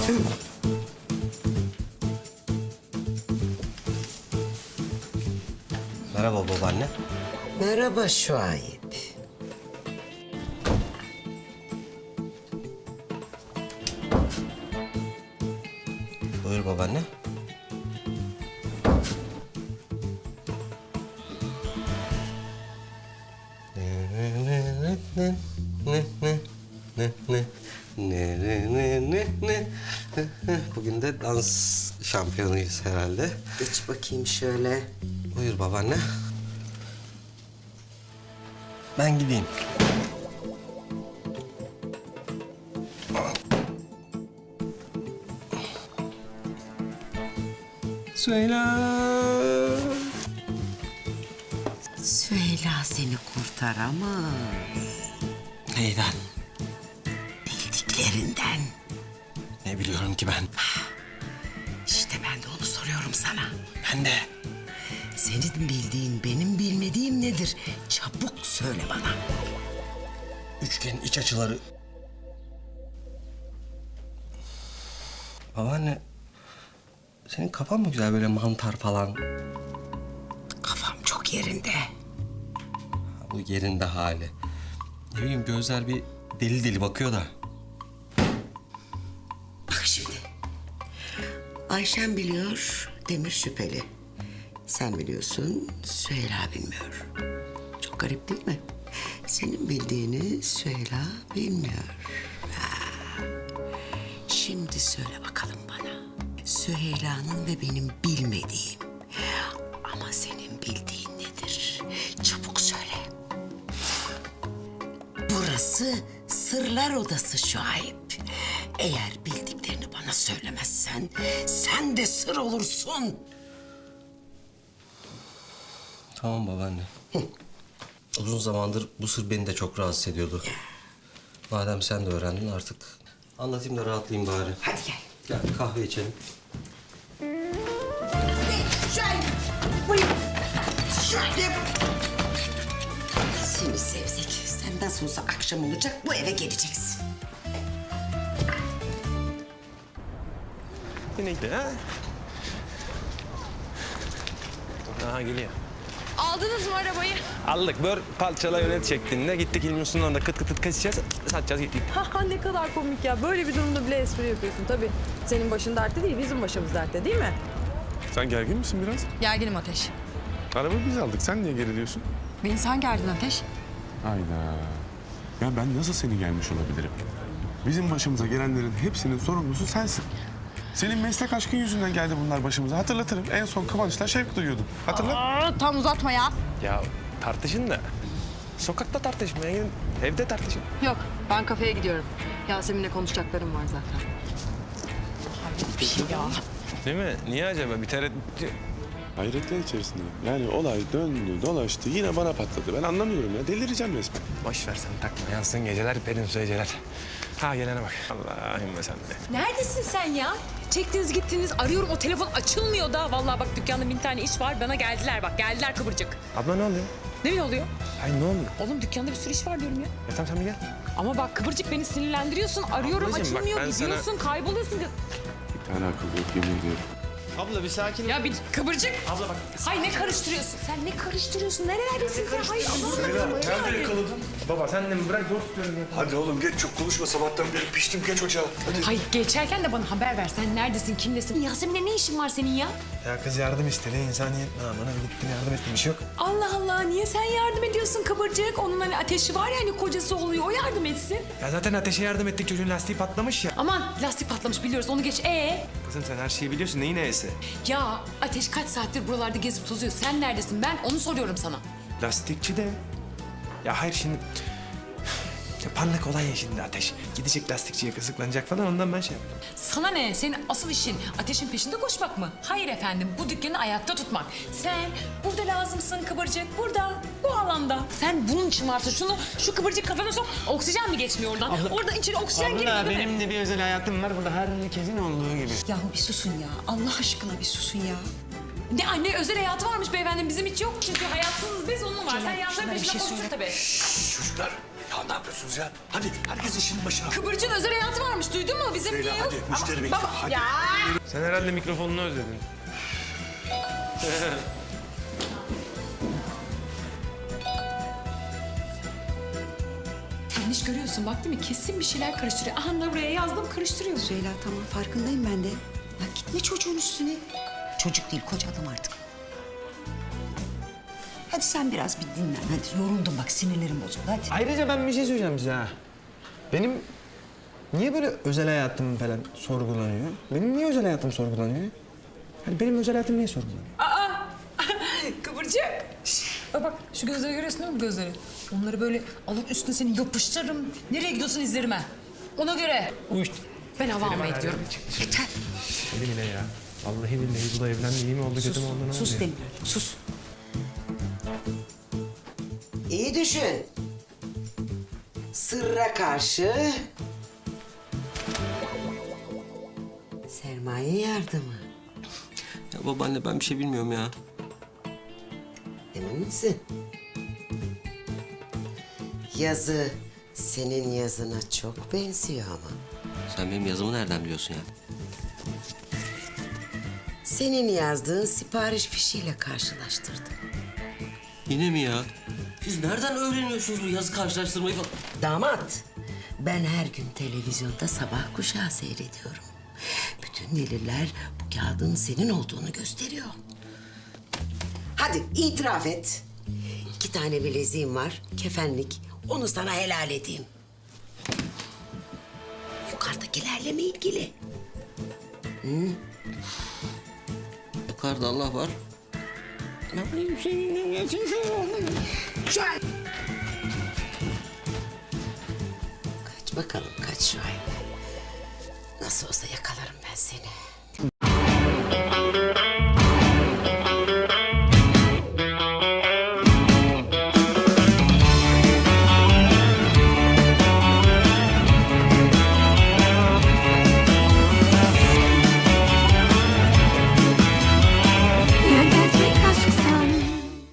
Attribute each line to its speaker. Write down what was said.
Speaker 1: Merhaba babaanne.
Speaker 2: Merhaba Şuayb.
Speaker 1: Buyur babaanne. Bugün de dans şampiyonuyuz herhalde.
Speaker 2: Geç bakayım şöyle.
Speaker 1: Buyur babaanne. Ben gideyim. Söyle.
Speaker 2: Süheyla seni kurtaramaz.
Speaker 1: Neyden?
Speaker 2: Bildiklerinden.
Speaker 1: Ne biliyorum ki ben?
Speaker 2: İşte ben de onu soruyorum sana.
Speaker 1: Ben de.
Speaker 2: Senin bildiğin benim bilmediğim nedir? Çabuk söyle bana.
Speaker 1: Üçgen iç açıları. Babaanne, senin kafan mı güzel böyle mantar falan?
Speaker 2: Kafam çok yerinde.
Speaker 1: Bu yerinde hali. Ne bileyim gözler bir deli deli bakıyor da.
Speaker 2: Bak şimdi. Ayşen biliyor, Demir şüpheli. Sen biliyorsun, Süheyla bilmiyor. Çok garip değil mi? Senin bildiğini Süheyla bilmiyor. Ha. Şimdi söyle bakalım bana. Süheyla'nın ve benim bilmediğim ama senin bildiğin nedir? Çabuk söyle. Burası sırlar odası Şuayb. Eğer bildiklerini bana söylemezsen sen de sır olursun.
Speaker 1: Tamam babaanne. Uzun zamandır bu sır beni de çok rahatsız ediyordu. Madem sen de öğrendin artık anlatayım da rahatlayayım bari.
Speaker 2: Hadi gel.
Speaker 1: Gel bir kahve içelim.
Speaker 2: Şuayb! Buyur. Şuayb! Seni sevsek, sen nasıl olsa akşam olacak, bu eve geleceksin.
Speaker 3: Neydi ha? Aha geliyor.
Speaker 4: Aldınız mı arabayı?
Speaker 3: Aldık bör parçala yönet şeklinde gittik İlmiyorsun orada kıt kıt kıt kaçacağız satacağız gittik.
Speaker 4: Ha ne kadar komik ya. Böyle bir durumda bile espri yapıyorsun tabii. Senin başın dertte değil, bizim başımız dertte değil mi?
Speaker 5: Sen gergin misin biraz?
Speaker 6: Gerginim Ateş.
Speaker 5: Araba biz aldık. Sen niye geriliyorsun?
Speaker 6: Beni sen gerdin Ateş.
Speaker 5: Hayda. Ya ben nasıl seni gelmiş olabilirim? Bizim başımıza gelenlerin hepsinin sorumlusu sensin. Senin meslek aşkın yüzünden geldi bunlar başımıza. Hatırlatırım. En son Kıvanç'la şevk duyuyordum. Hatırla.
Speaker 6: Tam uzatma ya.
Speaker 3: Ya tartışın da sokakta tartışmaya gidin evde tartışın.
Speaker 6: Yok, ben kafeye gidiyorum. Yasemin'le konuşacaklarım var zaten. Hayret bir şey ya.
Speaker 3: Değil mi? Niye acaba bir tereddüt...
Speaker 5: Hayretler içerisindeyim. Yani olay döndü, dolaştı. Yine bana patladı. Ben anlamıyorum ya. Delireceğim resmen.
Speaker 3: Boş ver sen takma yansın geceler perin su geceler. Ha gelene bak. Allah'ım sen de.
Speaker 7: Neredesin sen ya? Çektiniz gittiniz arıyorum o telefon açılmıyor da. Vallahi bak dükkanda 1000 tane iş var bana geldiler bak geldiler kıvırcık.
Speaker 3: Abla ne oluyor?
Speaker 7: Ne oluyor?
Speaker 3: Ay ne oluyor?
Speaker 7: Oğlum dükkanda bir sürü iş var diyorum ya.
Speaker 3: Ya tamam sen bir gel.
Speaker 7: Ama bak kıvırcık beni sinirlendiriyorsun arıyorum
Speaker 3: Ablacığım bak,
Speaker 7: açılmıyor
Speaker 3: ben sana-
Speaker 7: gidiyorsun kayboluyorsun.
Speaker 5: Bir tane akıl yok yemin ediyorum.
Speaker 3: Abla bir sakin ol.
Speaker 7: Ya bir kıvırcık.
Speaker 3: Abla bak.
Speaker 7: Hay ne karıştırıyorsun? Sen ne karıştırıyorsun? Nerelerdesin sen? Hay Allah'ım.
Speaker 8: Nerede yakaladın?
Speaker 3: Baba sen de mi bırak zor tutuyorum ya.
Speaker 8: Hadi oğlum geç çok konuşma sabahtan beri piştim geç ocağa. Hadi.
Speaker 7: Hay geçerken de bana haber ver. Sen neredesin? Kimdesin? Yasemin'le ne işin var senin ya?
Speaker 3: Ya kız yardım istedi insaniyet namına gittim yardım ettim bir şey yok.
Speaker 7: Allah Allah niye sen yardım ediyorsun kıvırcık? Onun hani ateşi var ya hani kocası oluyor o yardım etsin.
Speaker 3: Ya zaten ateşe yardım ettik çocuğun lastiği patlamış ya.
Speaker 7: Aman lastik patlamış biliyoruz onu geç.
Speaker 3: Kızım sen her şeyi biliyorsun neyin neyse.
Speaker 7: Ya Ateş kaç saattir buralarda gezip tozuyor. Sen neredesin? Ben onu soruyorum sana.
Speaker 3: Lastikçi de. Ya hayır şimdi... Ya parlak olay ya şimdi Ateş. Gidecek lastikçiye kızıklanacak falan ondan ben şey yaptım.
Speaker 7: Sana ne? Senin asıl işin Ateş'in peşinde koşmak mı? Hayır efendim bu dükkanı ayakta tutmak. Sen burada lazımsın kıvırcık. Burada bu alanda. Sen bunun için varsın. Şu kıvırcık kafana sok. Oksijen mi geçmiyor oradan? Oradan içeri oksijen girmiyor değil mi?
Speaker 3: benim de bir özel hayatım var burada herkesin olduğu gibi.
Speaker 6: Yahu bir susun ya. Allah aşkına bir susun ya.
Speaker 7: Ne anne özel hayatı varmış beyefendi bizim hiç yok. Çünkü hayatsız biz onun var. Sen
Speaker 6: Cemal,
Speaker 7: yanların
Speaker 6: şuna bir
Speaker 7: peşinde
Speaker 6: şey
Speaker 7: koştun
Speaker 6: söyle.
Speaker 7: tabii.
Speaker 8: Çocuklar ya ne yapıyorsunuz ya? Hadi herkes işinin başına.
Speaker 7: Kıvırcığın özel hayatı varmış. duydun mu? Bizim niye yok?
Speaker 8: Hadi müşteri bekliyor. Hadi.
Speaker 3: Sen herhalde mikrofonunu özledin.
Speaker 7: Yanlış görüyorsun bak değil mi? Kesin bir şeyler karıştırıyor. Aha da buraya yazdım karıştırıyor.
Speaker 2: Süheyla tamam farkındayım ben de. Ya gitme çocuğun üstüne. Çocuk değil koca adam artık. Hadi sen biraz bir dinlen. Hadi yoruldum bak sinirlerim bozuldu hadi.
Speaker 3: Ayrıca ben bir şey söyleyeceğim size ha. Benim niye böyle özel hayatım falan sorgulanıyor? Benim niye özel hayatım sorgulanıyor? Hani benim özel hayatım niye sorgulanıyor?
Speaker 7: Kıvırcık. Bak şu gözleri görüyorsun değil mi bu gözleri? Onları böyle alır üstüne seni yapıştırırım. Nereye gidiyorsun izlerime? Ona göre.
Speaker 3: Uyuşt.
Speaker 7: Ben hava almaya gidiyorum.
Speaker 2: Yeter.
Speaker 3: Elim yine ya. Vallahi billahi bu da evlendi iyi mi oldu kötü mü oldu ne oldu?
Speaker 2: Sus
Speaker 3: ya?
Speaker 2: demiyorum sus. İyi düşün. Sırra karşı sermaye yardımı.
Speaker 1: Ya babaanne ben bir şey bilmiyorum ya.
Speaker 2: Emin misin? Yazı senin yazına çok benziyor ama.
Speaker 1: Sen benim yazımı nereden biliyorsun ya?
Speaker 2: Senin yazdığın sipariş fişiyle karşılaştırdım.
Speaker 1: Yine mi ya? Siz nereden öğreniyorsunuz bu yazı karşılaştırmayı falan?
Speaker 2: Damat, ben her gün televizyonda sabah kuşağı seyrediyorum. Bütün deliller bu kağıdın senin olduğunu gösteriyor. Hadi itiraf et. 2 tane bileziğim var, kefenlik. Onu sana helal edeyim. Yukarıdakilerle mi ilgili?
Speaker 1: Yukarıda Allah var.
Speaker 2: Şuay! Kaç bakalım, kaç Şuay. Nasıl olsa yakalarım ben seni.